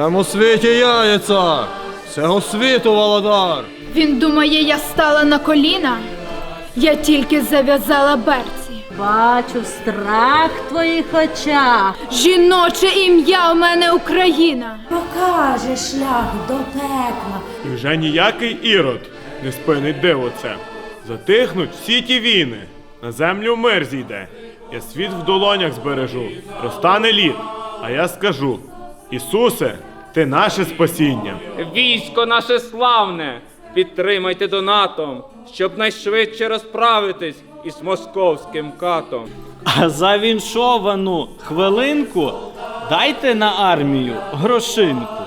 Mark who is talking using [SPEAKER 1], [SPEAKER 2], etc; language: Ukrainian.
[SPEAKER 1] Всему світі я є цар, всього світу володар.
[SPEAKER 2] Він думає, я стала на коліна? Я тільки зав'язала берці.
[SPEAKER 3] Бачу страх в твоїх очах.
[SPEAKER 2] Жіноче ім'я у мене Україна.
[SPEAKER 3] Покаже шлях до пекла.
[SPEAKER 4] І вже ніякий ірод не спинить диво це. Затихнуть всі ті війни, на землю мир зійде. Я світ в долонях збережу, розтане лід, а я скажу: Ісусе, ти наше спасіння.
[SPEAKER 5] Військо наше славне, підтримайте донатом, щоб найшвидше розправитись із московським катом.
[SPEAKER 6] А за віншовану хвилинку дайте на армію грошинку.